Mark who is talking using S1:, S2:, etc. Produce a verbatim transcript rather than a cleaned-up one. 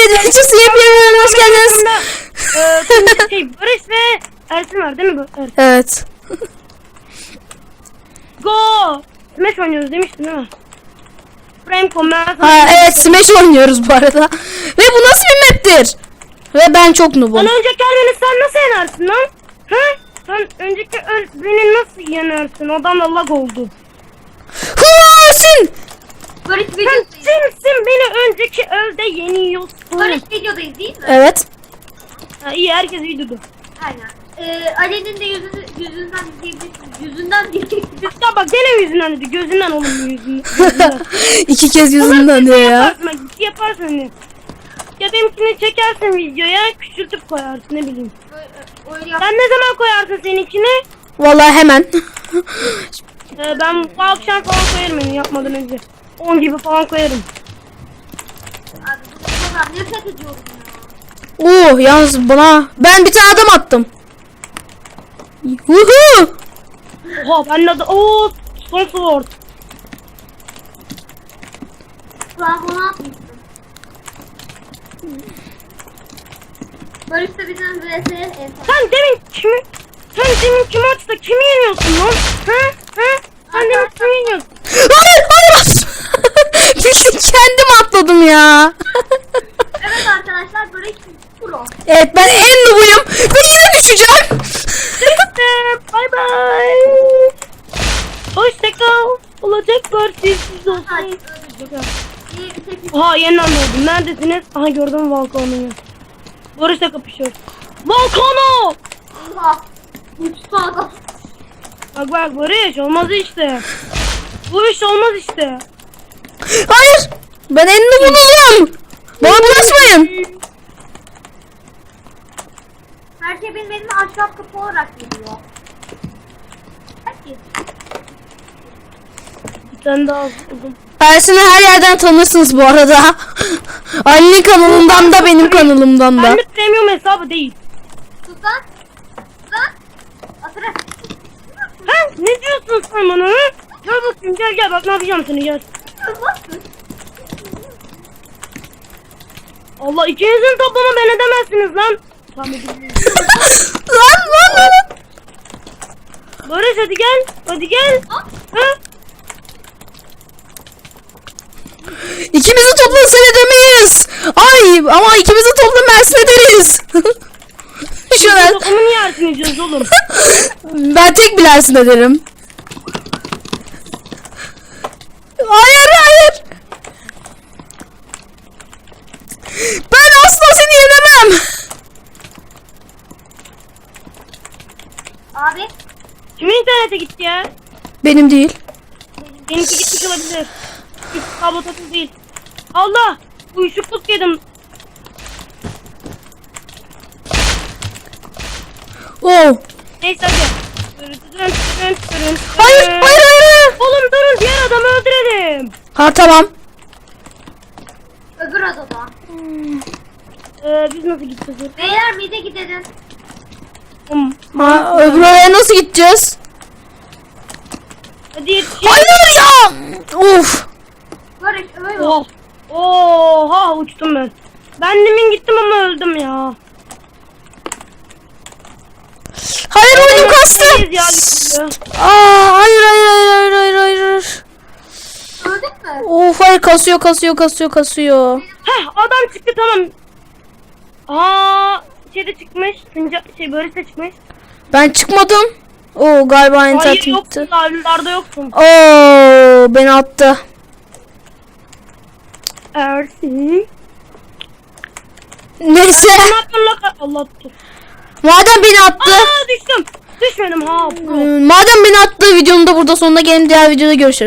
S1: Evet, Witchers yepyeni hoş geldiniz.
S2: Eee şey Barış ve Ersin var değil mi bu? Ersin.
S1: Evet.
S2: Go! Smash oynuyoruz demiştin değil mi? Frame Combat.
S1: Ha evet, Smash oynuyoruz bu arada. Ve bu nasıl bir map'tir? Ve ben çok noobum.
S2: Lan önceki beni sen nasıl yenersin lan? Ha? Sen önceki öl beni nasıl yenersin? Adam lag oldu.
S1: Hırsın!
S3: Barış
S2: Sen
S3: videodayız.
S2: kimsin beni önceki ölde yeniyorsun?
S3: Barış videodayız değil mi?
S1: Evet.
S2: Ha, iyi herkes videoda.
S3: Aynen. Ee, Ali'nin de yüzünü, yüzünden diyebilirsiniz. Yüzünden diyeceksiniz.
S2: Ya bak gene yüzünden dedi. Gözünden oğlum yüzünden. Gözünden.
S1: İki kez yüzünden diyor ya.
S2: Yaparsın bak ciddi yaparsın hani. Ya benimkini çekersin videoya küçültüp koyarsın ne bileyim.
S3: Öyle, öyle yap.
S2: Sen ne zaman koyarsın seninkini?
S1: Vallahi hemen.
S2: Ee, ben bu akşam falan koyarım yani yapmadan önce. on gibi falan koyarım.
S3: Abi bu kadar nefret ediyorum ya.
S1: Oo yalnız bana ben bir tane adam attım. Woohoo!
S2: Oha ben de ooo son sword.
S3: Sen bunu atmışsın. Barış da bizim vs en son.
S2: Sen demin kimi sen demin kim maçta kimi yeniyorsun lan? Ha? Ha? Sen demin kimi yeniyorsun?
S1: Hayır hayır. Bildim, kendim atladım ya.
S3: Evet arkadaşlar Barış pro.
S1: Evet ben en noobuyum ve yine düşeceğim.
S2: Bye bye. Hoşça kal. Olacak partisiz olsun.
S3: Hadi öldürdük. İyi bir tek
S2: Oha yeniden doğdum. Neredesiniz? Aha gördüm Volkan'ı. Barış'la kapışıyor. Volkan'ı!
S3: Oha. Uçtu adam.
S2: Bak bak Barış olmaz işte. Bu iş olmaz işte.
S1: Hayır. Ben en noobuyum. Bana bulaşmayın.
S3: Her şey benim elime ahşap kapı olarak geliyor. Herkes.
S2: Bir tane daha buldum.
S1: Ersin'i her yerden tanırsınız bu arada. Ali'nin kanalından da benim kanalımdan da.
S2: Ben de premium hesabı değil.
S3: Sus lan. Sus lan. Atırı.
S2: Ha? Ne diyorsun sen bana? Ha? Gel bakayım gel gel bak ne yapacağım seni gel.
S3: Nasıl?
S2: Allah ikinizin toplamı ben edemezsiniz lan. Tamam edeyim.
S1: Lan lan lan.
S2: Barış hadi gel. Hadi gel. Ha?
S1: İkimizi toplasan edemeyiz. Ay ama ikimizi toplam Ersin ederiz. Şuna.
S2: Toplamı niye Ersin ediyoruz oğlum?
S1: Ben tek bir Ersin ederim. Hayır hayır. Ben asla seni yenemem.
S3: Abi.
S2: Kimin internete gitti ya?
S1: Benim değil.
S2: Benimki gitmiş olabilir. Üst kablo takılı değil. Allah! Uyuşukluk yedim.
S1: Oh.
S2: Neyse hadi. Dırın, dırın, dırın, dırın.
S1: Hayır hayır hayır.
S2: Oğlum durun diğer adamı öldürelim.
S1: Ha tamam.
S3: Öbür odada.
S2: Ee, biz nasıl gideceğiz?
S3: Beyler mide gidelim.
S2: Hmm.
S1: Ha, öbür oraya nasıl gideceğiz?
S2: Hadi yetişin.
S1: Hayır ya. Of.
S3: Barış öyle.
S2: Oh. Oha uçtum ben. Ben demin gittim ama öldüm ya.
S1: Hayır oyunum kastı.
S2: Neyiz ya gidiyor.
S1: Aa hayır hayır hayır hayır hayır hayır.
S3: Öldün mü?
S1: Of hayır kasıyor kasıyor kasıyor kasıyor.
S2: Heh adam çıktı tamam. Aa şeyde çıkmış. Sinca, şey Barış da çıkmış.
S1: Ben çıkmadım. Oo galiba
S2: Hayır
S1: internet
S2: yoksun.
S1: gitti.
S2: Lavlarda yoksun.
S1: Oo beni attı.
S2: Ersin.
S1: Neyse.
S2: Ne yapıyorsun lan? Allah tuttu.
S1: Madem beni attı.
S2: Aa düştüm. Düşmedim ha.
S1: ıı, Madem beni attı videonun da burada sonuna gelin, diğer videoda görüşürüz.